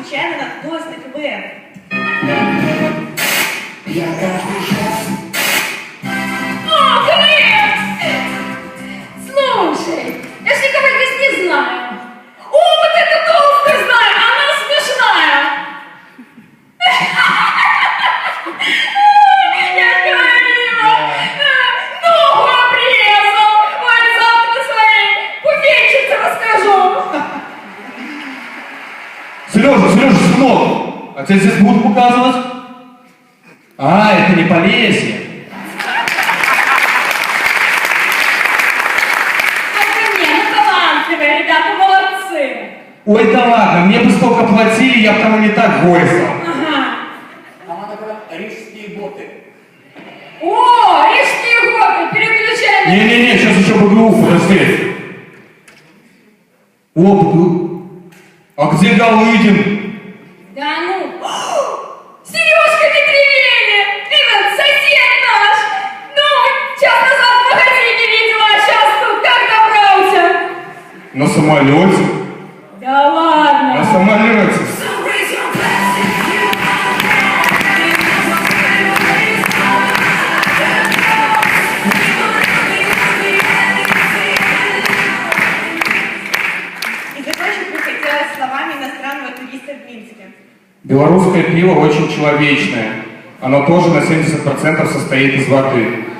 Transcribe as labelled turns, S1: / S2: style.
S1: случайно наткнулась на КВН?
S2: О, КВН! Слушай, я ж никого здесь не знаю. О, вот эту толстую знаю, она смешная. Я говорила, ногу обрезал. Ой, завтра своей буфетчице расскажу.
S3: Сережа, сынок, а тебя здесь будут показывать? А, это не Полесье.
S2: Это не, ну талантливые, ребята, молодцы.
S3: Ой, да ладно, мне бы столько платили, я бы там и не так горестал.
S2: Ага.
S4: Там она говорит, рижские боты.
S2: О, рижские годы, переключай.
S3: Не-не-не, сейчас еще БГУ, подожди. О, а где Галыгин?
S2: Да ну. Сережка Петревели! Этот сосед наш! Ну, час назад в магазине видела, а сейчас тут как добрался?
S3: На самолете?
S2: Да ладно!
S3: На самолете.
S1: И закончить бы хотелось словами иностранного туриста в Минске.
S3: Белорусское пиво очень человечное. Оно тоже на 70% состоит из воды.